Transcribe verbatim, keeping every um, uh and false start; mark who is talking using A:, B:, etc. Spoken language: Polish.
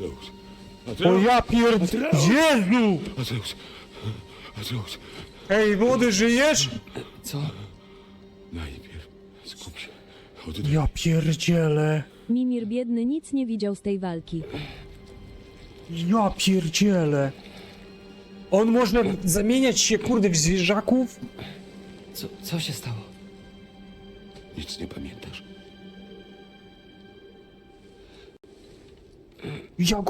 A: Mateusz.
B: O
A: Mateusz.
B: ja pierd...
A: Mateusz.
B: Jezu!
A: Mateusz. Mateusz.
B: Ej, młody, żyjesz?
C: Co?
A: Najpierw skup się. Oddech.
B: Ja pierdzielę.
D: Mimir biedny nic nie widział z tej walki.
B: Ja pierdzielę. On może zamieniać się, kurde, w zwierzaków?
C: Co, co się stało?
A: Nic nie pamiętasz.
B: Ja